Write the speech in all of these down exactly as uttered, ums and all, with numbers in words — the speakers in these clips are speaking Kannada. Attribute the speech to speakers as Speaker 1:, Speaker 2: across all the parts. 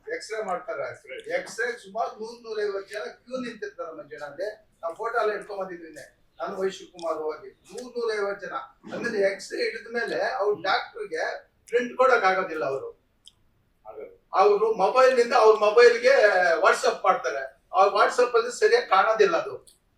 Speaker 1: ಎಕ್ಸ್ರೇ ಮಾಡ್ತಾರೆ. ಎಕ್ಸ್ರೇ ಸುಮಾರು ನೂರ್ ನೂರ ಐವತ್ತು ಜನ ಕ್ಯೂ ನಿಂತಿರ್ತಾರೆ ಮಂಜುನಲ್ಲಿ. ನಾವು ಫೋಟೋ ಎಲ್ಲ ಇಟ್ಕೊಂಡ್ ಬಂದಿದ್ವಿ. ನಾನು ವೈಶು ಕುಮಾರ್ ಹೋಗಿ ನೂರ್ ನೂರ ಐವತ್ತು ಜನ. ಆಮೇಲೆ ಎಕ್ಸ್ರೇ ಹಿಡಿದ ಮೇಲೆ ಅವ್ರ ಡಾಕ್ಟರ್ಗೆ ಪ್ರಿಂಟ್ ಕೊಡಕ್ ಆಗೋದಿಲ್ಲ. ಅವರು ಅವರು ಮೊಬೈಲ್ ನಿಂದ ಅವ್ರ ಮೊಬೈಲ್ಗೆ ವಾಟ್ಸ್ಆಪ್ ಮಾಡ್ತಾರೆ. ಆ ವಾಟ್ಸ್ಆಪ್ ಅಲ್ಲಿ ಸರಿಯಾಗಿ ಕಾಣೋದಿಲ್ಲ. ಅದು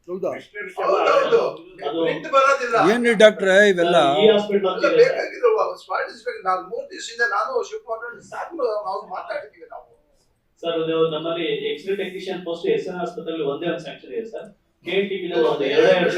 Speaker 1: ಹೌದೌದು, ಪ್ರಿಂಟ್ ಬರೋದಿಲ್ಲ.
Speaker 2: ಏನ್ರಿ ಡಾಕ್ಟ್ರೆ ಇವೆಲ್ಲ
Speaker 1: ಬೇಕಾಗಿರೋ ಸ್ಪಾಟಿಸ್ಬೇಕು. ನಾವು ಮೂರ್ ದಿವಸದಿಂದ ನಾನು ಶಿವಕುಮಾರ್ ಸಾಕು ನಾವು ಮಾತಾಡಿದೀವಿ ನಾವು.
Speaker 3: ಸರ್ ಅದು ನಮ್ಮಲ್ಲಿ x-ray technician post S N ಆಸ್ಪತ್ರೆಯಲ್ಲಿ ಒಂದೇ ಒಂದು ಸ್ಯಾಂಕ್ಷನ್ ಇದೆ ಸರ್. ಕೆಎನ್ಟಿಬಿ ನಲ್ಲಿ ಒಂದು ಎರಡು ಎರಡು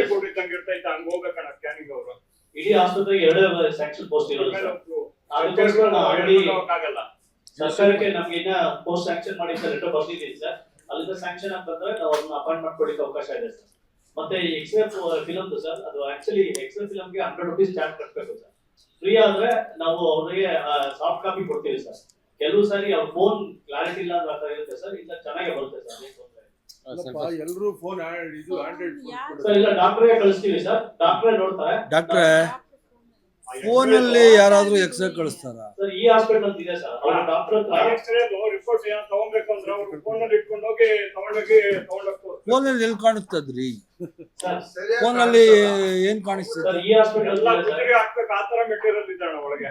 Speaker 3: ಸ್ಕ್ಯಾನಿಂಗ್ ಅವರು ಇಡೀ ಆಸ್ಪತ್ರೆಗೆ ಎರಡು ಸ್ಯಾಂಕ್ಷನ್ ಪೋಸ್ಟ್ ಇರೋದು ಸರ್. ಅದಕ್ಕೋಸ್ಕರ ನಾವು ಆಲ್ರೆಡಿ ಸರ್ಕಾರಕ್ಕೆ ನಮ್ಗೆ ಇನ್ನ ಪೋಸ್ಟ್ ಸ್ಯಾಂಕ್ಷನ್ ಮಾಡಿ ಲೆಟರ್ ಬರ್ತಿದ್ದೀವಿ ಸರ್. ಅಲ್ಲಿಂದ ಸ್ಯಾಂಕ್ಷನ್ ಅಂತಂದ್ರೆ ನಾವು ಅದನ್ನ ಅಪಾಯಿಂಟ್ ಮಾಡ್ಕೊಳ್ಳಿಕ್ಕೆ ಅವಕಾಶ ಇದೆ ಸರ್. ಮತ್ತೆ ಎಕ್ಸ್ರೇ ಫಿಲಮ್ ಸರ್, ಅದು ಆಕ್ಚುಲಿ ಎಕ್ಸ್ರೇ ಫಿಲಮ್ಗೆ ಹಂಡ್ರೆಡ್ ರುಪೀಸ್ ಚಾರ್ಜ್ ಕಟ್ಟಬೇಕು ಸರ್. ಫ್ರೀ ಆದ್ರೆ ನಾವು ಅವ್ರಿಗೆ ಸಾಫ್ಟ್ ಕಾಪಿ ಕೊಡ್ತೀವಿ ಸರ್. ಕೆಲವು ಸಾರಿ ಅವ್ರ ಫೋನ್ ಕ್ಲಾರಿಟಿ ಇಲ್ಲ ಅಂತ ಇರುತ್ತೆ ಸರ್. ಇಲ್ಲ ಚೆನ್ನಾಗಿ ಬರುತ್ತೆ ಸರ್.
Speaker 4: ಎಲ್ಲರೂ ಫೋನ್ ಇದು ಆಂಡ್ರಾಯ್ಡ್
Speaker 3: ಸರ್ ಇಲ್ಲ ಡಾಕ್ಟರ್ಗೆ ಕಳಿಸ್ತೀವಿ ಸರ್. ಡಾಕ್ಟ್ರೇ ನೋಡ್ತಾರೆ.
Speaker 2: ಡಾಕ್ಟ್ರೆ ಫೋನ್ ಅಲ್ಲಿ ಯಾರಾದ್ರೂ ಎಕ್ಸ್ರೇ ಕಳಿಸ್ತಾರ?
Speaker 3: ಸರ್ ಈ ಹಾಸ್ಪಿಟಲ್ ಅಂತ ಇದೆ ಸರ್. ಅವ್ರ ಡಾಕ್ಟರ್
Speaker 5: ಎಕ್ಸ್ರೇ ರಿಪೋರ್ಟ್ ಏನು ತಗೊಂಬೇಕು ಅಂದ್ರೆ ಅವ್ರು ಫೋನ್ ಅಲ್ಲಿ ಇಟ್ಕೊಂಡು ಹೋಗಿ ತಗೊಂಡೋಗಿ ತಗೊಂಡೋಗ್ತಾರೆ.
Speaker 2: ಫೋನ್ ಅಲ್ಲಿ ಎಲ್ಲಿ ಕಾಣಿಸ್ತದ್ರಿ?
Speaker 3: ಸರ್
Speaker 2: ಫೋನ್ ಅಲ್ಲಿ ಏನ್ ಕಾಣಿಸ್ತದೆ?
Speaker 3: ಸರ್ ಈ ಹಾಸ್ಪಿಟಲ್
Speaker 5: ಎಲ್ಲ ಕುತ್ತಿಗೆ ಹಾಕ್ಬೇಕು ಆ ತರ ಮೆಟೀರಿಯಲ್ ಇದ್ದಾಳೆ ಒಳಗೆ.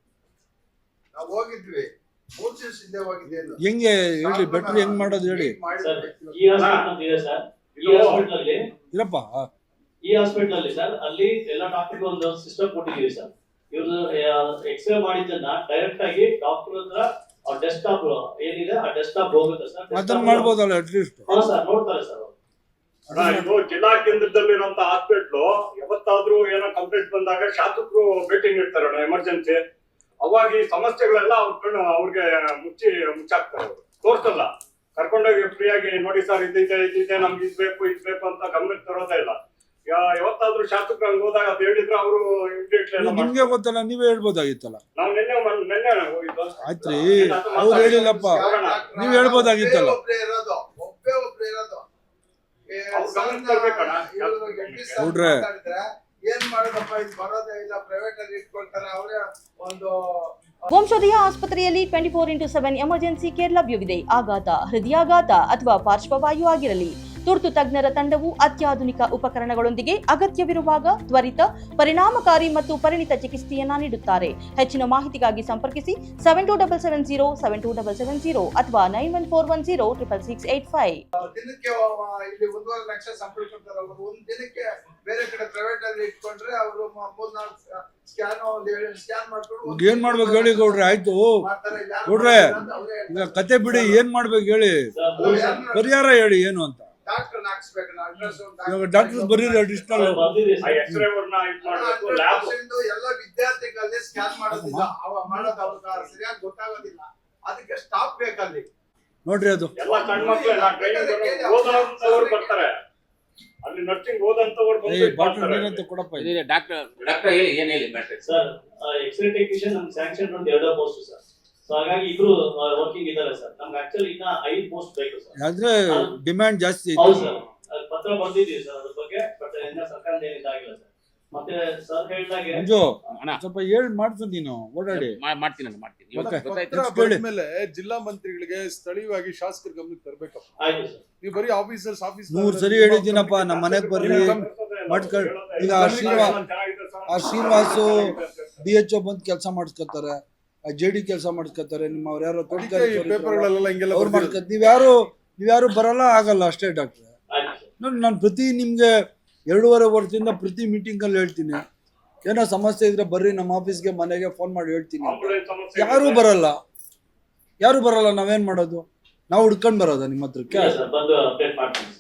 Speaker 1: ನಾವು ಹೋಗಿದ್ವಿ ಮೂರ್ ದಿವಸದಿಂದ ಹೋಗಿದ್ದೇವೆ.
Speaker 2: ಹೆಂಗೆ ಹೇಳಿ, ಬೆಟ್ರ್ ಹೆಂಗ್ ಮಾಡೋದು ಹೇಳಿ.
Speaker 3: ಸರ್ ಈ ಹಾಸ್ಪಿಟಲ್ ಅಂತ ಇದೆ ಸರ್. ಈ ಹಾಸ್ಪಿಟಲ್ ಅಲ್ಲಿ
Speaker 2: ಇರಪ್ಪ
Speaker 3: ಈ ಹಾಸ್ಪಿಟಲ್ ಅಲ್ಲಿ ಸರ್ ಅಲ್ಲಿ ಎಲ್ಲ ಡಾಕ್ಟರ್ಗೆ ಒಂದು ಸಿಸ್ಟಮ್ ಕೊಟ್ಟಿದ್ದೀವಿ ಸರ್. ಇವ್ರು ಎಕ್ಸ್ರೇ ಮಾಡಿದ್ದನ್ನ ಡೈರೆಕ್ಟ್ ಆಗಿ ಡಾಕ್ಟರ್ ಹತ್ರ ಆ ಡೆಸ್ಕ್ಟಾಪ್ ಏನಿದೆ ಆ ಡೆಸ್ಕ್ಟಾಪ್ ಹೋಗುತ್ತೆ ಸರ್.
Speaker 2: ಅದನ್ನ ಮಾಡ್ಬೋದಲ್ಲ ಅಟ್ಲೀಸ್ಟ್?
Speaker 3: ಹಾ ಸರ್ ನೋಡ್ತಾರೆ ಸರ್.
Speaker 5: ಇದು ಜಿಲ್ಲಾ ಕೇಂದ್ರದಲ್ಲಿರುವಂತ ಹಾಸ್ಪಿಟ್ಲು ಯಾವತ್ತಾದ್ರೂ ಏನೋ ಕಂಪ್ಲೇಂಟ್ ಬಂದಾಗ ಶಾಸಕರು ಭೇಟಿ ನೀಡ್ತಾರೆ ಎಮರ್ಜೆನ್ಸಿ. ಅವಾಗ ಈ ಸಮಸ್ಯೆಗಳೆಲ್ಲ ಅವ್ರ ಕಣ್ಣು ಅವ್ರಿಗೆ ಮುಚ್ಚಿ ಮುಚ್ಚಾಕ್ತಾರೆ. ಅವರು ತೋರ್ಸಲ್ಲ. ಕರ್ಕೊಂಡೋಗಿ ಫ್ರೀ ಆಗಿ ನೋಡಿ ಸರ್ ಇದಿದೆ ಇದಿದೆ ನಮ್ಗೆ ಇದ್ ಬೇಕು ಇದ್ ಬೇಕು ಅಂತ ಗಮನಕ್ಕೆ ತರೋದೇ ಇಲ್ಲ. ಯಾವತ್ತಾದ್ರೂ ಶಾಸಕರು ಹೋದಾಗ ಅದು ಹೇಳಿದ್ರೆ ಅವರು
Speaker 2: ನಿಮ್ಗೆ ಗೊತ್ತಲ್ಲ, ನೀವೇ ಹೇಳ್ಬೋದಾಗಿತ್ತಲ್ಲ.
Speaker 5: ನಾವು ನಿನ್ನೆ ನಿನ್ನೆ ಹೋಗಿದ್ದು.
Speaker 2: ಆಯ್ತ್ರಿ, ಅವ್ರು ಹೇಳಿಲ್ಲಪ್ಪ, ನೀವ್ ಹೇಳ್ಬೋದಾಗಿತ್ತಲ್ಲ.
Speaker 1: ಒಬ್ಬರೇ ಇರೋದು ಒಬ್ಬೇ ಒಬ್ರು ಇರೋದು.
Speaker 2: ನೋಡ್ರೆ
Speaker 1: ಏನ್ ಮಾಡೋದಪ್ಪ, ಇದು ಬರೋದೇ ಇಲ್ಲ, ಪ್ರೈವೇಟ್ ಅಲ್ಲಿ ಇಟ್ಕೊಳ್ತಾರೆ ಅವರೇ ಒಂದು.
Speaker 6: ವಂಶೋದಯ ಆಸ್ಪತ್ರೆಯಲ್ಲಿ twenty four into seven emergency care ಲಭ್ಯವಿದೆ. ಆಘಾತ, ಹೃದಯಾಘಾತ ಅಥವಾ ಪಾರ್ಶ್ವವಾಯು ಆಗಿರಲಿ, ತುರ್ತು ತಜ್ಞರ ತಂಡವು ಅತ್ಯಾಧುನಿಕ ಉಪಕರಣಗಳೊಂದಿಗೆ ಅಗತ್ಯವಿರುವಾಗ ತ್ವರಿತ, ಪರಿಣಾಮಕಾರಿ ಮತ್ತು ಪರಿಣಿತ ಚಿಕಿತ್ಸೆಯನ್ನ ನೀಡುತ್ತಾರೆ. ಹೆಚ್ಚಿನ ಮಾಹಿತಿಗಾಗಿ ಸಂಪರ್ಕಿಸಿ seven two double seven zero seven two double seven zero ಅಥವಾ nine one four one zero triple six eight five.
Speaker 1: ದಿನಕ್ಕೆ ಇಲ್ಲಿ ಒಂದೂವರೆ ಲಕ್ಷ ಸಂಬಳ ಕೊಡ್ತಾರೆ ಅವರು. ಒಂದ್ ದಿನಕ್ಕೆ ಬೇರೆ ಕಡೆ ಪ್ರೈವೇಟ್ ಅಲ್ಲಿ ಇಟ್ಕೊಂಡ್ರೆ ಅವರು ಮೂರ್ನಾಲ್ಕು ಸ್ಕ್ಯಾನ್ ಸ್ಕ್ಯಾನ್ ಮಾಡ್ಕೊಂಡು
Speaker 2: ಏನ್ ಮಾಡ್ಬೇಕು ಹೇಳಿ ಗೌಡ್ರೆ? ಆಯ್ತು ಗೌಡ್ರೆ, ಈಗ ಕತೆ ಬಿಡಿ, ಏನ್ ಮಾಡ್ಬೇಕು ಹೇಳಿ, ಪರಿಹಾರ ಹೇಳಿ ಏನು ಅಂತ.
Speaker 1: ಡಾಕ್ಟರ್ ಹಾಕ್ಸ್ಬೇಕು.
Speaker 2: ಡಾಕ್ಟರ್ ಬರೀ ಅಡಿಷನಲ್
Speaker 1: ಎಲ್ಲ ವಿದ್ಯಾರ್ಥಿಗಳಲ್ಲಿ ಸ್ಕ್ಯಾನ್ ಮಾಡೋದಿಲ್ಲ, ಅವ ಮಾಡೋದು ಅವ್ರ ಸರಿಯಾಗಿ ಗೊತ್ತಾಗೋದಿಲ್ಲ. ಅದಕ್ಕೆ ಸ್ಟಾಪ್ ಬೇಕಲ್ಲಿ
Speaker 2: ನೋಡ್ರಿ. ಅದು
Speaker 5: ಎಲ್ಲ ಸಣ್ಣ ಮಕ್ಕಳು ಓದೋರು ಬರ್ತಾರೆ. ಅಲ್ಲಿ ನರ್ಸಿಂಗ್ ಓದಂತವ್ರು
Speaker 2: ಬಂದು ಕೊಡಪ್ಪ.
Speaker 7: ಡಾಕ್ಟರ್ ಡಾಕ್ಟರ್ ಹೇಳಿ ಏನ್ ಹೇಳಿ ಮ್ಯಾಟ್ರಿಕ್
Speaker 3: ಸರ್. ಎಕ್ಸ್ರೇ ಟೆಕ್ನಿಷಿಯನ್ ನಮ್ಗೆ ಸ್ಯಾಂಕ್ಷನ್ ಒಂದು ಎರಡು ಪೋಸ್ಟ್ ಸರ್. ಸೊ ಹಾಗಾಗಿ ಇಬ್ರು ವರ್ಕಿಂಗ್ ಇದ್ದಾರೆ ಸರ್. ನಮ್ಗೆ ಆಕ್ಚುಲಿ ಇನ್ನ ಐದು ಪೋಸ್ಟ್ ಬೇಕು ಸರ್.
Speaker 2: ಅಂದ್ರೆ ಡಿಮ್ಯಾಂಡ್ ಜಾಸ್ತಿ ಇದೆ.
Speaker 3: ಹೌದು ಸರ್, ಪತ್ರ ಬರ್ದಿದ್ದೀವಿ ಸರ್ ಅದ್ರ ಬಗ್ಗೆ. ಬಟ್ ಇನ್ನ ಸರ್ಕಾರದ ಏನಿಲ್ಲ ಆಗಿಲ್ಲ ಸರ್. ಮತ್ತೆ ಸರ್ ಹೇಳಿದಾಗೆ
Speaker 2: ಮಂಜು ಸ್ವಲ್ಪ ಹೇಳಿ ಮಾಡ್ತೀನಿ, ನೀನು ಓಡಾಡಿ
Speaker 7: ಮಾಡ್ತೀನಿ
Speaker 2: ಮಾಡ್ತೀನಿ.
Speaker 4: ಮೇಲೆ ಜಿಲ್ಲಾ ಮಂತ್ರಿಗಳಿಗೆ ಸ್ಥಳೀಯವಾಗಿ ಶಾಸಕರ ಗಮನಕ್ಕೆ ತರಬೇಕಪ್ಪ.
Speaker 3: ಆಯ್ತು ಸರ್.
Speaker 4: ನೀವು ಬರೀ ಆಫೀಸರ್ಸ್ ಆಫೀಸ್
Speaker 2: ನೂರ್ ಸರಿ ಹೇಳಿದ್ದೀನಪ್ಪ, ನಮ್ಮ ಮನೆಗ್ ಬರ್ರಿ ಮಾಡ್ಕೊಳ್ಳಿ. ಈಗ ಆ ಶ್ರೀನಿವಾಸ್ ಆ ಶ್ರೀನಿವಾಸು ಡಿ ಎಚ್ ಒ ಬಂದು ಕೆಲಸ ಮಾಡಿಸ್ಕೊತಾರೆ, ಜೆ ಡಿ ಕೆಲಸ ಮಾಡಿಸ್ಕೊತಾರೆ. ನಿಮ್ಮ ಅವ್ರು ಯಾರೋ
Speaker 4: ಪೇಪರ್ಗಳೆಲ್ಲ ಹಿಂಗೆಲ್ಲ
Speaker 2: ಅವ್ರು ಮಾಡ್ಕೊತ ನೀವ್ಯಾರು ನೀವ್ಯಾರು ಬರಲ್ಲ ಆಗಲ್ಲ ಅಷ್ಟೇ ಡಾಕ್ಟ್ರೆ. ನೋಡಿ, ನಾನು ಪ್ರತಿ ನಿಮ್ಗೆ ಎರಡೂವರೆ ವರ್ಷದಿಂದ ಪ್ರತಿ ಮೀಟಿಂಗ್ ಅಲ್ಲಿ ಹೇಳ್ತೀನಿ, ಏನೋ ಸಮಸ್ಯೆ ಇದ್ರೆ ಬರ್ರಿ ನಮ್ಮ ಆಫೀಸ್ಗೆ ಮನೆಗೆ ಫೋನ್ ಮಾಡಿ ಹೇಳ್ತೀನಿ. ಯಾರು ಬರಲ್ಲ, ಯಾರು ಬರಲ್ಲ. ನಾವೇನ್ ಮಾಡೋದು? ನಾವು ಹುಡ್ಕೊಂಡ್ ಬರೋದ ನಿಮ್ಮ ಹತ್ರಕ್ಕೆ?
Speaker 3: ಬಂದು ಅಪ್ಡೇಟ್ ಮಾಡ್ತೀನಿ.